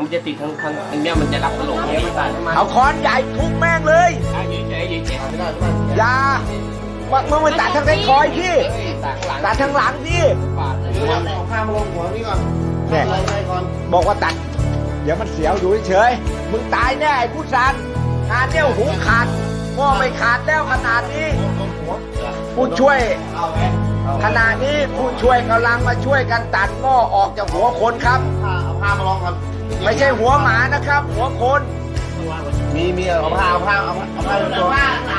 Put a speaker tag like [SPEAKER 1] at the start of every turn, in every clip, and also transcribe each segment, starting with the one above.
[SPEAKER 1] มันจะติดทั้งเนี้ยมันจะรับตลกเนี้ยมันตัดมา
[SPEAKER 2] เอาค้อนใหญ่ทุบแม่งเลย
[SPEAKER 1] ยืนเฉยยืนเฉย
[SPEAKER 2] อย่ามึงไปตัดทางไอ้คอยพี่ตัดทางหลังพี่
[SPEAKER 3] เอาผ้ามาลงหัวนี่ก่อน
[SPEAKER 2] เนี่ย
[SPEAKER 3] อะไรก่อน
[SPEAKER 2] บอกว่าตัดเดี๋ยวมันเสียวอยู่เฉยๆมึงตายแน่ไอ้ผู้ซันงานเนี่ยหูขาดหม้อไม่ขาดแล้วขนาดนี้ผู้ช่วยขณะนี้ผู้ช่วยกำลังมาช่วยกันตัดหม้อออกจากหัวคนครับ
[SPEAKER 3] เอาผ้ามาลองก่อน
[SPEAKER 2] ไม่ใช่หัวหมานะครับ หัวคน
[SPEAKER 3] มีเอาผ้าเป็นตัว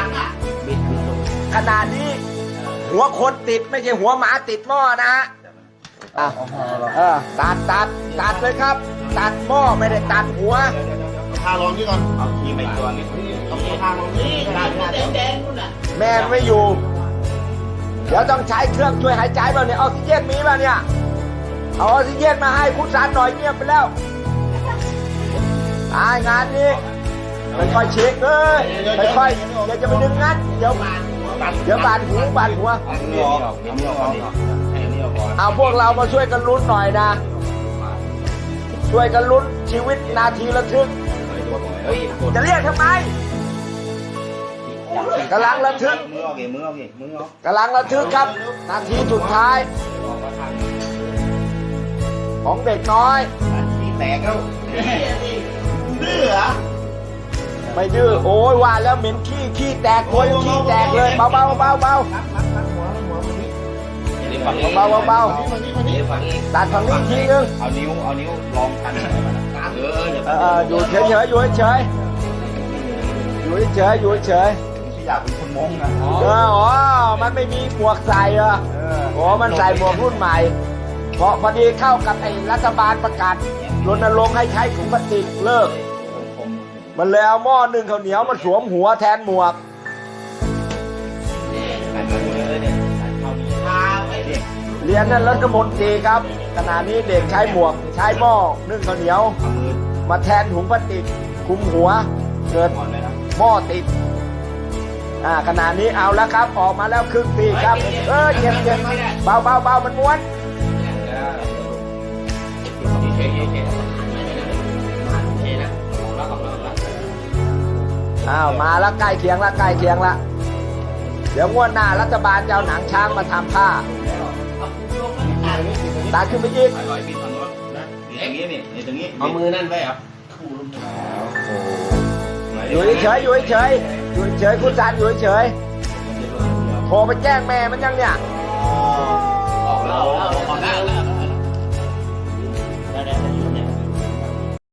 [SPEAKER 2] ขณะนี้ หัวคนติดไม่ใช่หัวหมาติดหม้อนะฮะอ่ะตัดเลยครับ ตัดหม้อไม่ได้ตัดหัว
[SPEAKER 3] เอาผ้าลองนี่ก่อน
[SPEAKER 1] เอาขี้ไปตัวนึง
[SPEAKER 3] เอาผ้าลองนี่แดงนู่นน่ะ
[SPEAKER 2] แม่ไม่อยู่ เดี๋ยวต้องใช้เครื่องช่วยหายใจบ้างเนี่ยออกซิเจนมีป่ะเนี่ย เอาออกซิเจนมาให้คุณสารหน่อยเงียบไปแล้วตายงานนี้ค่อยๆเช็คเลยค่อยๆอย่าจะไปดึงงั้นเดี๋ยวบาดหัว
[SPEAKER 1] เอานี่ออกเอานี่ออกให้อันนี้ออกก่อน
[SPEAKER 2] เอาพวกเรามาช่วยกันลุ้นหน่อยนะ ช่วยกันลุ้นชีวิตนาทีระทึก
[SPEAKER 1] เฮ้ยกด
[SPEAKER 2] จะเรียกทำไมกำลังระทึก
[SPEAKER 1] มือออกเองมือออกเองมือออก
[SPEAKER 2] กำลังระทึกครับ นาทีสุดท้าย
[SPEAKER 1] ออกมาทาง
[SPEAKER 2] ของเด็กน้อย
[SPEAKER 1] ที่แตกแล้ว
[SPEAKER 3] ดื้อเหรอ
[SPEAKER 2] ไม่ดื้อโอ้ยว่าแล้วเหม็นขี้แตกตัวยังขี้แตกเลยเบา
[SPEAKER 3] หัวมันนี่
[SPEAKER 2] ๆตัดฝั่งนี้ทีนึง
[SPEAKER 1] เอานิ้วลองกันเดี๋ยว
[SPEAKER 2] อยู่เฉยๆอยู่เฉย
[SPEAKER 1] ที่อยากเป็นคนมงนะ
[SPEAKER 2] อ๋อมันไม่มีหมวกใส่เหรออ๋อมันใส่หมวกรุ่นใหม่เพราะพอดีเข้ากับไอ้รัฐบาลประกาศรณรงค์ให้ใช้ถุงพลาสติกเลิกมันเลยเอาหม้อนึ่งข้าวเหนียวมาสวมหัวแทนหมวกเรียนนั่นรัฐมนตรีครับขณะนี้เด็กใช้หมวกใช้หม้อนึ่งข้าวเหนียวมาแทนถุงพลาสติกคลุมหัวเกิดหม้อติดขณะนี้เอาแล้วครับออกมาแล้วครึ่งปีครับเย็นเบามันม้วนมาแล้วใกล้เคียงละเดี๋ยวงวดหน้ารัฐบาลจะเอาหนังช้างมาทำผ้าตัดขึ้นไปอีก
[SPEAKER 1] ร้อยปีฝั่งโน้นนะอย่างนี้นี่ตรงนี้เอามือนั่นไว้ครับ
[SPEAKER 2] อยู่เฉยคุณจันอยู่เฉยโทรไปแจ้งแม่มันยังเนี่ย
[SPEAKER 1] ออกแล้ว